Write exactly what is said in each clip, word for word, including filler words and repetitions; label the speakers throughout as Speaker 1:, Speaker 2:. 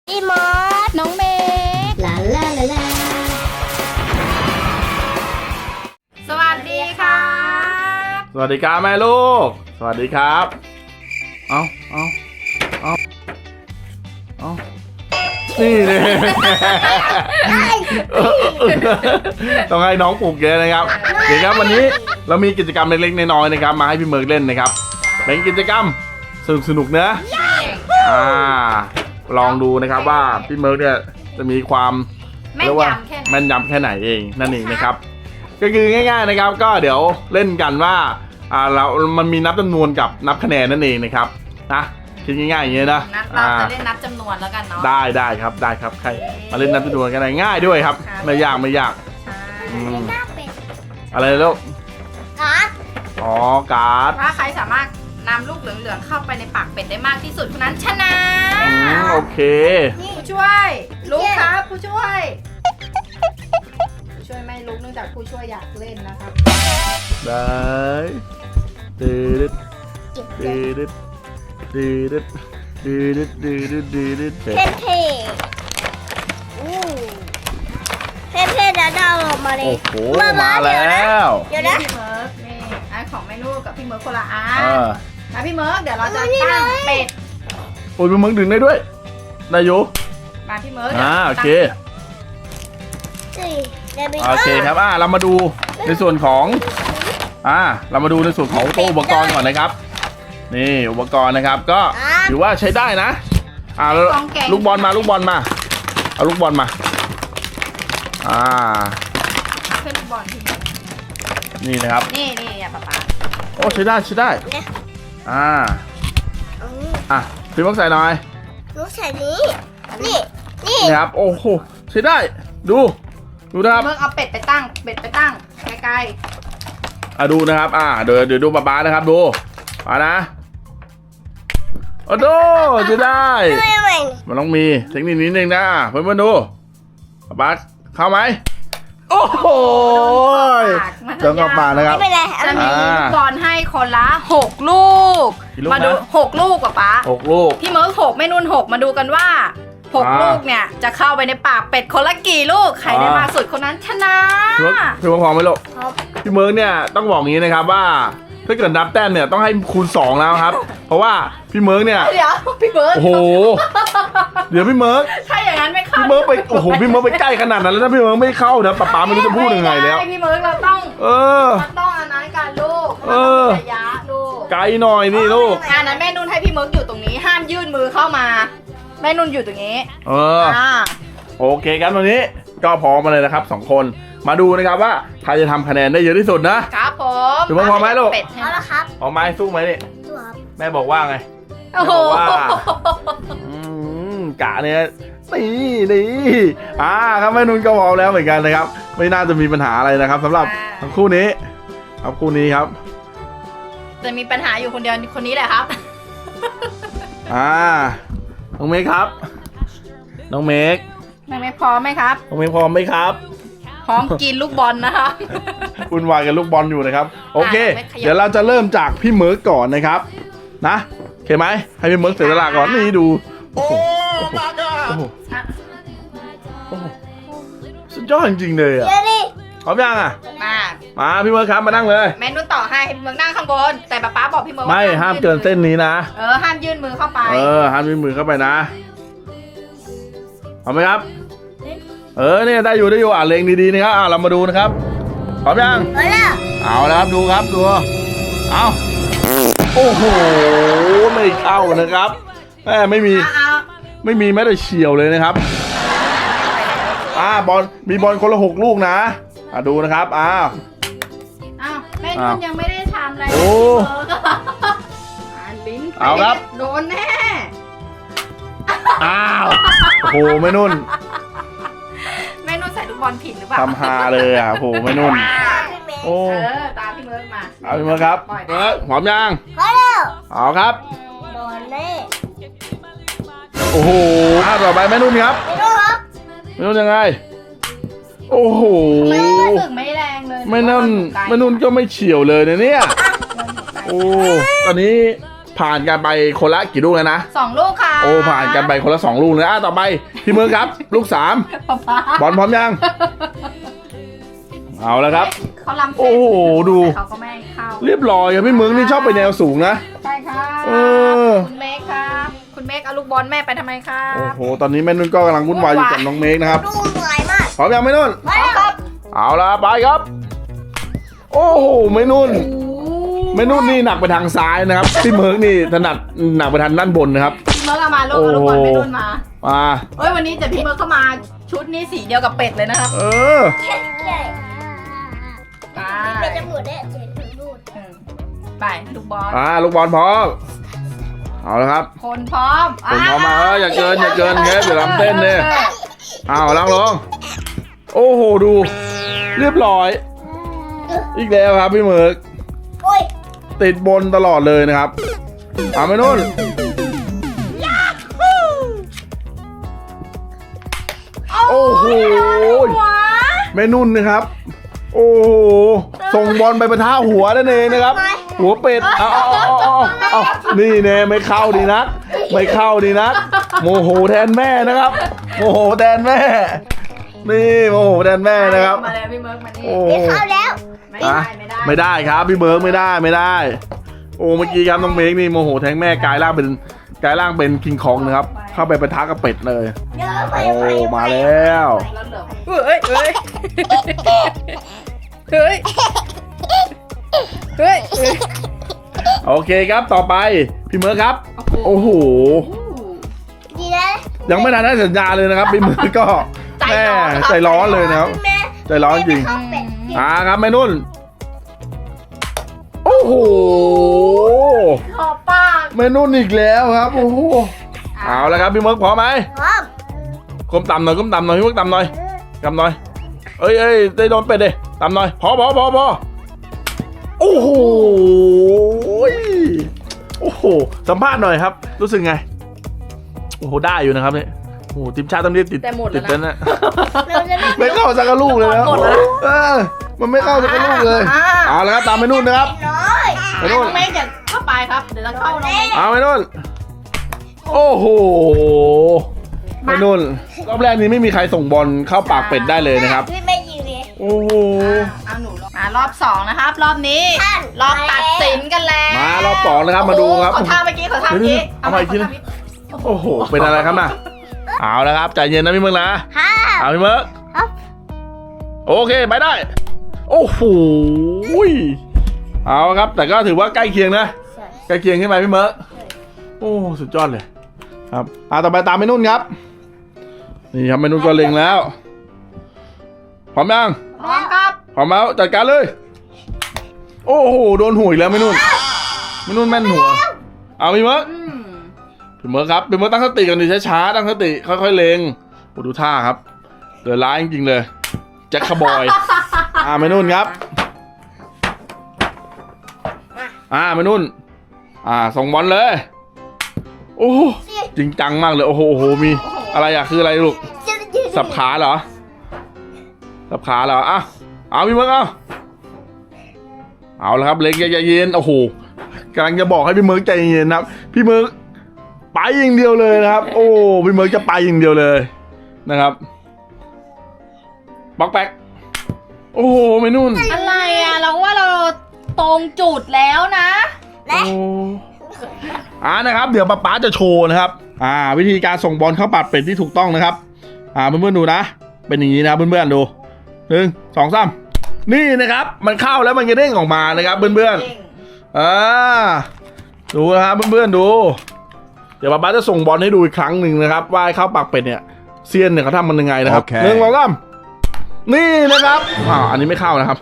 Speaker 1: พี่มอส
Speaker 2: น้องเมย์
Speaker 1: ลาลาลาลา
Speaker 2: สวัสดีครับ
Speaker 3: สวัสดีครับแม่ลูกสวัสดีครับเอาเอาเอาเอานี่เลยต้องให้น้องปลูกเยอะนะครับเดี๋ยวครับวันนี้เรามีกิจกรรมเล็กๆน้อยๆนะครับมาให้พี่เมิร์กเล่นนะครับเป็นกิจกรรมสนุกสนุกๆนะอ่าลองดูนะครับว่าพี่เมิร์กเนี่ยจะมีความ
Speaker 2: แม่น
Speaker 3: เรียกว่าย
Speaker 2: ำแค่ไหน
Speaker 3: แม่นยำแค่ไหนเองนั่นเองนะครับก็คือง่ายๆนะครับก็เดี๋ยวเล่นกันว่าอ่าเรามันมีนับจำนวนกับนับคะแนนนั่นเองนะครับนะคิดง่ายๆอย่างเงี้ยนะ
Speaker 2: นัดเราจะเล่นนับจำนวนแล้วกันเนาะ
Speaker 3: ได้ได้ครับได้ครับใครมาเล่นนับจำนวนกันได้ง่ายด้วยครับ
Speaker 2: ครับ
Speaker 3: ไม่ยากไม่ยาก
Speaker 2: ใช่
Speaker 3: อืม
Speaker 1: หน้าเป็ด
Speaker 3: อะไรลูก
Speaker 1: การ์ด
Speaker 3: อ๋อการ์ด
Speaker 2: ถ้าใครสามารถนำลูกเหลืองๆเข้าไปในปากเป็ดได้มากที่สุดคนนั้นชนะ
Speaker 3: อืมโอเค
Speaker 2: ผู้ช่วยลุกครับผู้ช่วยผู้ช่วยไม่ลุกเนื่องจากผู้ช่วยอยากเล่นนะครับ
Speaker 3: ได้ดืด
Speaker 1: เก็บ
Speaker 3: ดืดดืดดืดดืดดืดดืดดืด
Speaker 1: เท่เท่อู้เท่เท่แล้วดาวออกมาเลย
Speaker 3: โอ้โหมาแล้ว
Speaker 1: เดี๋ยวนะ
Speaker 2: พี่เมิร์กนี่อันของแม่ลูกกับพี่เมิร์กคนละอั
Speaker 3: เอน อ
Speaker 2: นะพี่เมิร์กเดี๋ยวเราจะ
Speaker 1: โอ้ยนี่
Speaker 2: ตั้ง
Speaker 1: เลย
Speaker 2: เป็ด
Speaker 3: โอ้ยมึงดึงได้ด้วยได้อยู่
Speaker 2: มาพี่เมิร์ก
Speaker 3: อ่าโอเค
Speaker 1: สี่เดี๋ยวไป
Speaker 3: โอเคครับอ่าเรามาดูในส่วนของอ่าเรามาดูในส่วนของตัวอุปกรณ์ก่อนนะครับนี่อุปกรณ์นะครับก็ถือว่าใช้ได้นะอ่าแล้วลูกบอลมาลูกบอลมาเอาลูกบอลมาอ่า
Speaker 2: เพื่อนลูกบอลพี่เมิร์ก
Speaker 3: นี่นะครับ
Speaker 2: นี่นี่อย่าป๊าป๊า
Speaker 3: โอ้ใช้ได้ใช้ได้อ่า
Speaker 1: อืม
Speaker 3: อ่ะพี่มักใส่หน่อย
Speaker 1: ลูกใส่นี้นี่นี่
Speaker 3: นี่ครับโอ้โหใช้ได้ดูดูนะครับ
Speaker 2: เมิร์กเอาเป็ดไปตั้งเป็ดไปตั้งใกล้
Speaker 3: อ่ะดูนะครับอ่าเดี๋ยวเดี๋ยวดูป๊าป๊านะครับดูมานะโอ้โหใช้ได้
Speaker 1: ไม่ไม่
Speaker 3: มันต้องมีเทคนิคนิดนึงนะเพื่อนๆดูป๊าเข้าไหมโอ้โห
Speaker 2: ๆ
Speaker 3: เจ้ากับมานะครับ
Speaker 1: ไม่เป็นไร
Speaker 2: จะมี
Speaker 3: อ่า
Speaker 2: ลูกบอลให้คนละหกลูก
Speaker 3: กี่ลูก
Speaker 2: มาดู
Speaker 3: นะ
Speaker 2: หกลูกป๊าป๊า
Speaker 3: หกลูก
Speaker 2: พี่เมิร์กหกแม่นุ่นหกมาดูกันว่าหก
Speaker 3: อ่า
Speaker 2: ลูกเนี่ยจะเข้าไปในปากเป็ดคนละกี่ลูกใครได้
Speaker 3: อ่าม
Speaker 2: มากสุดคนนั้นชนะ
Speaker 3: พี่เมิร์กพี่เมิร์กพร้อมไหมลูก
Speaker 1: ครับ
Speaker 3: พี่เมิร์กเนี่ยต้องบอกงี้นะครับว่าถ้าเกิดนับแต้มเนี่ยต้องให้คูณสองแล้วครับ เพราะว่าพี่เมิร์กเนี่ย
Speaker 2: เดี๋ยวพี่เมิร์ก
Speaker 3: โอ้โหเดี๋ยวพี่เมิร์ก
Speaker 2: ถ้าอย่างนั้นไม่เข้า
Speaker 3: พี่เมิร์กไปโอ้โหพี่เมิร์กไปใกล้ขนาดนั้นแล้วถ้าพี่เมิร์กไม่เข้านะป๊าป๊าไม่รู้จะพูดยังไงแล้ว
Speaker 2: ม่ด้พี่เมิร์กเราต้อง
Speaker 3: เออ
Speaker 2: เราต้องอันนั้นกันลูก
Speaker 3: เออ
Speaker 2: ระยะลูก
Speaker 3: ไกลหน่อยนี่ลูก
Speaker 2: อันนั้นแม่นุ่นให้พี่เมิร์กอยู่ตรงนี้ห้ามยื่นมือเข้ามาแม่นุ่นอยู่ตรงนี้
Speaker 3: เออ
Speaker 2: อ่า
Speaker 3: โอเคครับวันนี้ก็พร้อมมาเลยนะครับสองคนมาดูนะครับว่าใครจะทำคะแนนได้เยอะที่สุดนะครับ
Speaker 2: ผม
Speaker 3: ถือว่าพอไหมลูก
Speaker 2: เป็ด
Speaker 1: เอาละครับ
Speaker 3: เอาไม้สู้ไหมนี่
Speaker 1: ดูครับ
Speaker 3: แม่บอกว่าไง
Speaker 2: โอ้โห
Speaker 3: บอกว่า อืมกะเนี่ยนี่นี่อ่าครับแม่นุ่นก็พร้อมแล้วเหมือนกันนะครับ ไม่น่าจะมีปัญหาอะไรนะครับสำหรับทั้งคู่นี้ครับคู่นี้ครับ
Speaker 2: จะมีปัญหาอยู่คนเดียวคนนี้แหละครับ
Speaker 3: อ่าน้องเมฆครับน้องเมฆ
Speaker 2: ยังไม่พร้อมไหมครับ
Speaker 3: น้องเมฆพร้อมไหมครับ
Speaker 2: พร้อมกินลูกบอลนะคะ
Speaker 3: วุ่นวายกับลูกบอลอยู่นะครับโอเค
Speaker 2: ไม่ขยับ
Speaker 3: เดี๋ยวเราจะเริ่มจากพี่เมิร์กก่อนนะครับนะโอเคไหมให้พี่เมิร์กเสียสละก่อนนี่ดูโอ้โหโอ้โหโอ้โหสุดยอดจริงๆเลยอ่ะ
Speaker 1: เดี๋ยวดิ
Speaker 3: พร้อมยังอ่ะ
Speaker 2: มา
Speaker 3: มาพี่เมิร์กครับมานั่งเลย
Speaker 2: แม่นุ่นต่อให้ให้พี่เมืองนั่งข้างบน แต่ป๊าป๊าบอกพี่เมืองว่า
Speaker 3: ไม่ห้ามเกินเส้นนี้นะ
Speaker 2: เออห้ามยื่นมือเข้าไป
Speaker 3: เออห้ามยื่นมือเข้าไปนะพร้อมไหมครับ เออเนี่ยได้อยู่ได้อยู่อ่านเลงดีๆนะครับอ่าเรามาดูนะครับพร้อมยัง
Speaker 1: เอาละ
Speaker 3: เอาแล้วครับดูครับดูเอาโอ้โหไม่เข้านะครับแม่ไม่มี
Speaker 2: เอา
Speaker 3: ไม่มีแม้แต่เฉียวเลยนะครับอ่าบอลมีบอลคนละหกลูกนะอ่าดูนะครับอ้าว
Speaker 2: เอาแม่นุ่นยังไม่ได้ทำอะไร
Speaker 3: โอ้
Speaker 2: อ่านลิ้น
Speaker 3: เอาครับ
Speaker 2: โดนแน่
Speaker 3: อ้าวโอ้โหไม่นุ่น
Speaker 2: แม่นุ่นใส่ลูกบอลผิดหรือเปล่า
Speaker 3: ทำฮาเลยอ่ะโอ้โหไม่นุ่น
Speaker 1: พี่เมย์
Speaker 3: โอ้
Speaker 2: เออตามพี่เมิร์กมา
Speaker 3: เอาพี่มาครับเมิร์กพร้อมยัง
Speaker 1: พอแล้ว
Speaker 3: เอาครับ
Speaker 1: โดนแน่
Speaker 3: โอ้โหอ่าต่อไปแม่นุ่นครับ
Speaker 1: ไม่รู้ครับ
Speaker 3: แม่นุ่นยังไงโอ้โห
Speaker 2: ไม่รู้สึกไม่แรงเลย
Speaker 3: ไม่นุ่น
Speaker 2: หรือว่า
Speaker 3: ไม่นุ่นก็ไม่เฉียวเลยนะเนี่ยโอ้ตอนนี้ผ่านกันไปคนละกี่ลูกแล้วนะ
Speaker 2: สองลูกค่ะ
Speaker 3: โอ้ผ่านกันไปคนละสองลูกเลยอ่ะต่อไปพี่เมืองครับ ลูกสาม
Speaker 2: ป๊า
Speaker 3: บอลพร้อมยังเอาแล้วครับ
Speaker 2: เขาลำเส้น
Speaker 3: โอ้โหดู
Speaker 2: เขาก็ไม่ให้เข้า
Speaker 3: เรียบร้อยครับพี่เมืองนี่ชอบไปแนวสูงนะ
Speaker 2: ใช่ค่ะ
Speaker 3: เออ
Speaker 2: คุณเมฆครับคุณเมฆเอาลูกบอลแม่ไปทำไมครั
Speaker 3: โอ้
Speaker 2: บ
Speaker 3: โหตอนนี้แม่นุ่นก็กำลังวุ่นวายอยู่กับน้องเมฆนะครับ
Speaker 1: ดูเหนื่อยมาก
Speaker 3: พร้อมยังแม่นุ่น
Speaker 1: ไปครับ
Speaker 3: เอาละไปครับ โอ้โหแม่นุ่นแม่นุ่นนี่หนักไปทางซ้ายนะครับพี่เมิร์กนี่ถนัดหนักไปทางด้านบนนะครับ
Speaker 2: พี่เมิร์กเอามาลูกเอาลูกบอลไม่นุ่นมา
Speaker 3: มา
Speaker 2: เฮ้ยวันนี้แต่พี่เมิร์กเข้ามาชุดนี้สีเดียวกับเป็ดเลยนะครับ
Speaker 3: เออ
Speaker 1: แค่ใหญ่
Speaker 2: ไป
Speaker 1: เป็นจมูกได้เจ็ดถึงรูด
Speaker 2: อืมไปลูกบอล
Speaker 3: อ่าลูกบอลพร้อมเอาละครับ
Speaker 2: คนพร้อม
Speaker 3: คนพร้อมมาเอออย่าเกินอย่าเกินเฮ้ยเดี๋ยวลำเต้นเลยเอาล่างลงโอ้โหดู เรียบร้อย อีกแล้วครับพี่เมิร์ก
Speaker 1: โอ้ย
Speaker 3: ติดบนตลอดเลยนะครับเอาไปนู่นโอ้โหแม่นุ่นนะครับ โอ้โหส่งบอลไปประท่าหัวนั่นเองนะครับ หัวเป็ดเอาเอาเอาเอาเอานี่เน่ไม่เข้าดีนักไม่เข้าดีนักโมโหแทนแม่นะครับ โมโหแทนแม่ นี่โมโหแทนแม่นะครับ
Speaker 2: มาเลยพี่เมิร์กมานี่
Speaker 3: โอ้
Speaker 1: ไม่เข้าแล้ว
Speaker 2: ไม่ได้ไม่ได้
Speaker 3: ไม่ได้ครับพี่เบิร์กไม่ได้ไม่ได้ โอ้เมื่อกี้ครับน้องเมฆนี่โมโหแทงแม่กลายร่างเป็นกลายร่างเป็นคิงคองนะครับ เข้าไปปะทะกับเป็ดเลย
Speaker 1: เยอะไป
Speaker 3: โอ้
Speaker 1: ไป
Speaker 3: มาแล้ว
Speaker 2: แล้วเหลือเฮ้ยเฮ้ยเฮ้ยเฮ้ย
Speaker 3: โอเคครับต่อไปพี่เมิร์กครับ โอ้โห
Speaker 1: ดีนะ
Speaker 3: ยังไม่ทันได้สัญญาเลยนะครับพี่เมิร์กก็แม่ใจร้อนเลยนะครับ
Speaker 1: แม่
Speaker 3: ใจร้อนจริง
Speaker 1: เข้าเป็ด
Speaker 3: อ่าครับแม่นุ่นโอ้โห
Speaker 2: ขอบปาก
Speaker 3: แม่นุ่นอีกแล้วครับโอ้โหเอาแล้วครับพี่เมิร์กพร้อมไหม
Speaker 1: พร้อม
Speaker 3: ก้มต่ำหน่อยก้มต่ำหน่อยพี่เมิร์กต่ำหน่อยต่ำหน่อยเอ้ยเอ้ยได้โดนเป็ดดิต่ำหน่อยพอพอพอพอโอ้โหโอ้โหสัมภาษณ์หน่อยครับ รู้สึกไงโอ้โหได้อยู่นะครับเนี่ยโอ้โหทีมชาติต้องเรียกติด
Speaker 2: แต่หมด
Speaker 3: ติ
Speaker 2: แล้
Speaker 3: ด
Speaker 2: ว
Speaker 3: แล้ว
Speaker 2: นะ
Speaker 3: นะ
Speaker 1: เราจะไม่
Speaker 3: ไม่เข้าสักกะลูกเลยนะ
Speaker 2: หมดแล้วนะ
Speaker 3: เออมันไม่เข้าสักกะลูกเลยเอาแล้วครับตามไปนู่นนะครับ
Speaker 1: น้อย
Speaker 3: ไปนู่น
Speaker 2: น้องเมฆจะเข้าไปครับเดี๋ยวเราเข้าน้องเมฆ
Speaker 3: เอาไปนู่นโอ้โหไปนู่นรอบแรกนี้ไม่มีใครส่งบอลเข้าปากเป็ดได้เลยนะครับ
Speaker 1: พี่ไม่ยิงเลย
Speaker 3: โอ้โห
Speaker 2: เอาหนูลงมารอบสองนะครับ รอบนี้
Speaker 1: ท่าน
Speaker 2: รอบตัดสินกันแล้ว
Speaker 3: มารอบสองนะครับมาดูครับ
Speaker 2: ขอท่าเมื่อกี้ขอท่าเมื่อกี้
Speaker 3: เอาไปอีกทีนะ โอ้โหเป็นอะไรครับน่ะเอาแล้วครับใจเย็นนะพี่เมิร์กนะ
Speaker 1: ฮ่า
Speaker 3: เอาพี่เมิร์ก
Speaker 1: ครับ
Speaker 3: โอเคไปได้ โอ้โหเอาครับ แต่ก็ถือว่าใกล้เคียงนะ ใกล้เคียงขึ้นไปพี่เมิร์กโอ้สุดยอดเลย ครับอ่าต่อไปตามไปนุ่นครับ นี่ครับไปนุ่นก็เล็งแล้วพร้อมยัง
Speaker 2: พร้อมครับ
Speaker 3: พร้อมแล้วจัดการเลย โอ้โหโดนหัวอีกแล้วไม่นุ่นไม่นุ่นแม่นหัวเอาพี่เมิร์ก
Speaker 2: อืม
Speaker 3: พี่เมิร์กครับพี่เมิร์กตั้งสติกันดิช้าๆตั้งสติค่อยๆเล็งโอ้ดูท่าครับเดือดร้ายจริงๆเลยแจ็คคาร์บอย อ่าไม่นุ่นครับอ่าไม่นุ่นอ่าส่งบอลเลยโอ้โหจริงจังมากเลยโอ้โหโอ้โหมีอะไรอะคืออะไรลูกสับขาเหรอสับขาเหรออ่ะเอาพี่เมิร์กเอาเอาละครับเล็งใจเย็นโอ้โหกำลังจะบอกให้พี่เมิร์กใจเย็นนะครับพี่เมิร์กไปอย่างเดียวเลยนะครับ โอ้พี่เมิร์กจะไปอย่างเดียวเลยนะครับบล็อกแบ็กโอ้โหไม่นุ่น
Speaker 2: อะไรอ่ะเราว่าเราตรงจุดแล้วนะ
Speaker 3: โอ้อ่านะครับเดี๋ยวป๊าป๊าจะโชว์นะครับอ่าวิธีการส่งบอลเข้าปากเป็ดที่ถูกต้องนะครับอ่าเพื่อนๆดูนะเป็นอย่างนี้นะครับเพื่อนๆดูหนึ่งสองสามนี่นะครับมันเข้าแล้วมันจะเด้งออกมานะครับเพื่อนๆอ่าดูนะครับเพื่อนๆดูเดี๋ยวป๊าป๊าจะส่งบอลให้ดูอีกครั้งหนึ่งนะครับว่าเข้าปากเป็ดเนี่ยเซียนเนี่ยเขาทำมันยังไงนะครับหนึ่งสองสามนี่นะครับอ่าอันนี้ไม่เข้านะครับ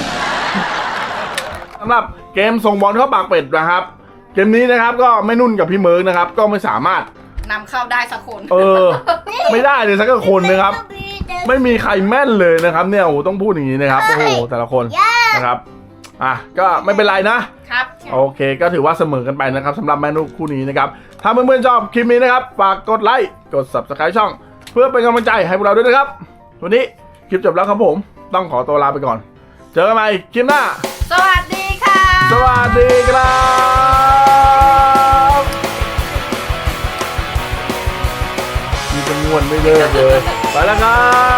Speaker 3: สำหรับเกมส่งบอลเข้าปากเป็ดนะครับเกมนี้นะครับก็ไม่นุ่นกับพี่เมิร์กนะครับก็ไม่สามารถ
Speaker 2: นำเข้าได้สักคน
Speaker 3: เออ ไม่ได้เลยสักคนนะครับ ไม่มีใครแม่นเลยนะครับเนี่ยโอ้โหต้องพูดอย่างนี้นะครับโอ้โหแต่ละคนนะครับอ่ะก็ไม่เป็นไรนะครับ โอเคก็ถือว่าเสมอกันไปนะครับสำหรับแม่นุ่นคู่นี้นะครับถ้าเพื่อนๆชอบคลิปนี้นะครับฝากกดไลค์กด ซับสไครบ์ ช่อง เพื่อเป็นกำลังใจให้พวกเราด้วยนะครับวันนี้คลิปจบแล้วครับผมต้องขอตัวลาไปก่อนเจอกันใหม่คลิปหน้า
Speaker 2: สวัสดีค่ะ
Speaker 3: สวัสดีครับม่วนไม่เลิกเลยไปแล้วครับ